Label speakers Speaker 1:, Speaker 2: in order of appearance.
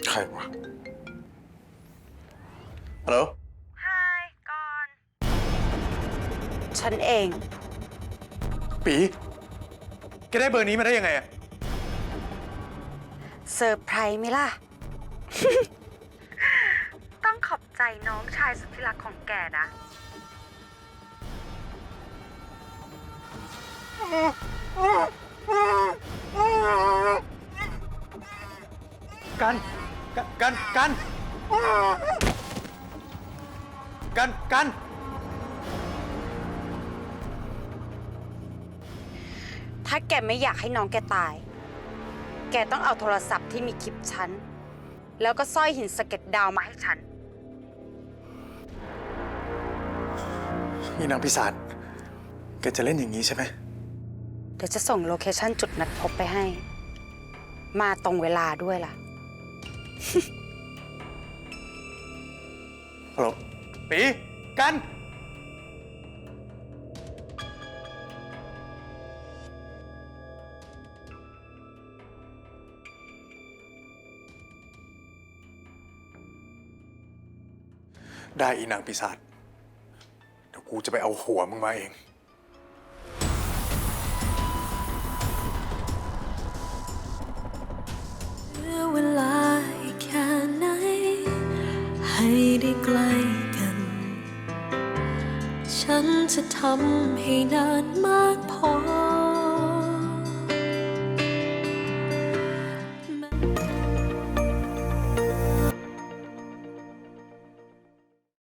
Speaker 1: ใครวะฮัลโหล
Speaker 2: ไฮก่อน ฉันเอง
Speaker 1: ปีแกได้เบอร์นี้มาได้ยังไงอะ
Speaker 2: เซอร์ไพรส์ไหมล่ะ ต้องขอบใจน้องชายสุดที่รักของแกนะ
Speaker 1: กันกันกันกันกัน
Speaker 2: ถ้าแกไม่อยากให้น้องแกตาย แกต้องเอาโทรศัพท์ที่มีคลิปฉัน แล้วก็สร้อยหินสะเก็ดดาวมาให้ฉัน
Speaker 1: นี่นางพิศาจแกจะเล่นอย่างนี้ใช่ไหม
Speaker 2: เดี๋ยวจะส่งโลเคชั่นจุดนัดพบไปให้ มาตรงเวลาด้วยล่ะ
Speaker 1: ฮัลโหลปีกันได้อีนางปีศาจเดี๋ยวกูจะไปเอาหัวมึงมาเอง
Speaker 3: เหลือเวลาอีกแค่ไหนให้ได้ใกล้กัน ฉันจะทำให้นานมากพอ